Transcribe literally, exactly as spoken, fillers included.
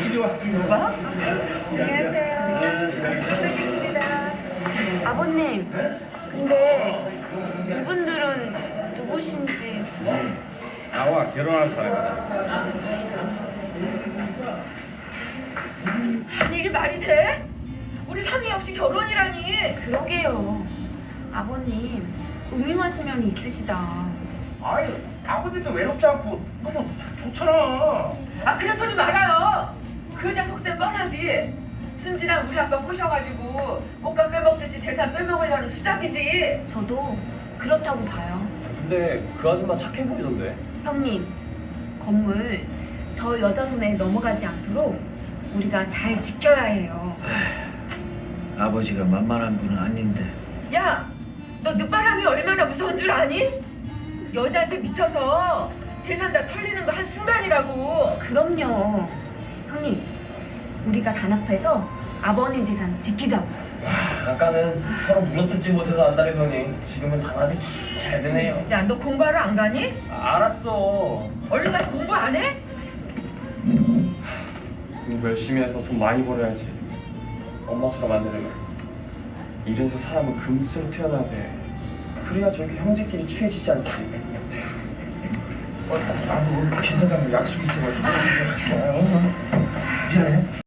누가? 안녕하세요. 반갑습니다. 아버님, 근데 이분들은 누구신지. 나와 결혼할 사람이다. 이게 말이 돼? 우리 상의 없이 결혼이라니. 그러게요. 아버님, 음흉하신 면이 있으시다. 아이, 아버지도 외롭지 않고 너무 좋잖아. 아, 그런 소리 말아요. 그 여자 속셈 뻔하지. 순진한 우리 아빠 꼬셔가지고 옷감 빼먹듯이 재산 빼먹으려는 수작이지. 저도 그렇다고 봐요. 근데 그 아줌마 착해 보이던데. 형님, 건물 저 여자 손에 넘어가지 않도록 우리가 잘 지켜야 해요. 아버지가 만만한 분은 아닌데. 야, 너 늦바람이 얼마나 무서운 줄 아니? 여자한테 미쳐서 재산 다 털리는 거 한 순간이라고. 그럼요. 형님, 우리가 단합해서 아버님 재산 지키자고요. 아까는 서로 물어뜯지 못해서 안달이더니 지금은 단합이 참 잘 되네요. 야, 너 공부하러 안 가니? 아, 알았어. 얼른 가서 공부 안 해? 공부 열심히 해서 돈 많이 벌어야지. 엄마처럼 안 되려면 이래서 사람은 금수로 태어나야 돼. 그래야 저렇게 형제끼리 취해지지 않지. 어, 나도 김 사장님 약속 있어가지고. 아, 미안해.